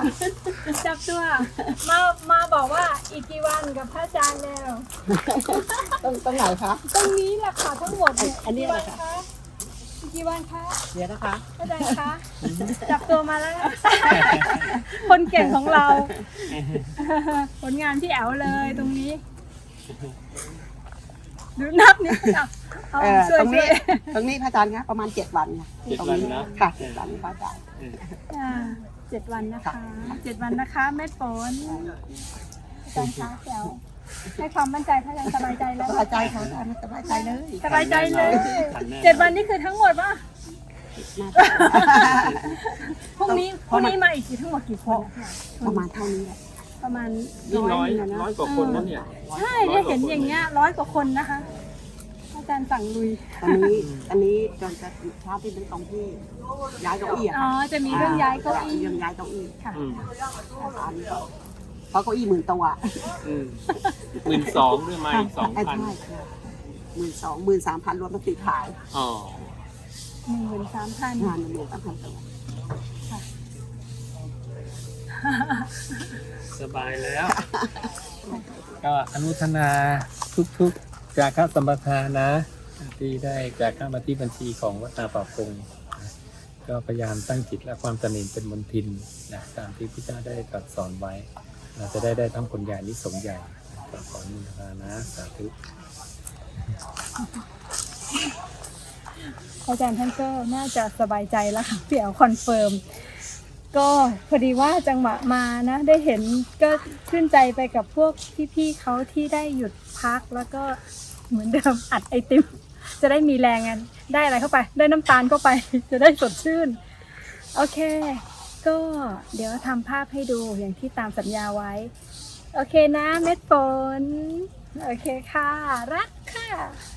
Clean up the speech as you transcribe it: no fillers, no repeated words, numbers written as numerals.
จับตัวมาบอกว่าอีกกี่วันกับพระอาจารย์แล้วตรงไหนคะตรงนี้แหละค่ะทั้งหมดเนี่ยอันนี้กี่เหรวัอน คะคะอีกกี่วันคะเดี๋ยวนะคะพระอาจารย์คะจับตัวมาแล้วนะคนเก่งของเรา ผลงานพี่แอ๋วเลยตรงนี้ดูนับนี่เอาช่วยตรงนี้ช่วยตรงนี้พระอาจารย์คะประมาณ7 วันค่ะ 7 วันนะค่ะ7 วันพระอาจารย์ 7 วันนะคะ7 วันนะคะเม็ดฝนอาจารย์คะแจ๋วให้ความมั่นใจพระอาจารย์สบายใจแล้วสบายใจค่ะอาจารย์สบายใจเลยสบายใจเลย7 วันนี่คือทั้งหมดป่ะพรุ่งนี้มาอีกทีทั้งหมดกี่คนประมาณเท่านี้แหละประมาณนี่ร้อยหงะร้อยกว่าคนนั่นเนี่ยใช่ได้เห็นอย่างเงี้ย100 กว่าคนนะคะอาจารย์สั่งลุยตอนนี้จนจะเช้าที่เป็นตรงที่ย้ายเก้าอี้อะอ๋อจะมีเรื่องย้ายเก้าอี้เรื่องย้ายเก้าอี้ค่ะอันนี้ก็เพราะเก้าอี้10,000 ตัว 12,000ด้วยมาอีกใช่ใช่12,000 13,000รวมทั้งติดขายอ๋อ 13,000 งาน13,000 ตัวสบายแล้วก็อนุโมทนาทุกๆจากข้าสัมปทานนะที่ได้จากข้ามาที่บัญชีของวัดนาป่าพงนะก็พยายามตั้งจิตและความตระหนี่เป็นมนทินนะตามที่พระเจ้าได้ตรัสสอนไว้เราจะได้ทั้งผลใหญ่นิสงส์ใหญ่ก็ขออนุโมทนานะสาธุอาจารย์ท่านก็น่าจะสบายใจแล้วค่ะพี่แอ๋วคอนเฟิร์มก็พอดีว่าจังหวะมานะได้เห็นก็ชื่นใจไปกับพวกพี่ๆเขาที่ได้หยุดพักแล้วก็เหมือนเดิมอัดไอติมจะได้มีแรงกันได้อะไรเข้าไปได้น้ำตาลเข้าไป จะได้สดชื่นโอเคก็เดี๋ยวทำภาพให้ดูอย่างที่ตามสัญญาไว้โอเคนะเม็ดฝนโอเคค่ะรักค่ะ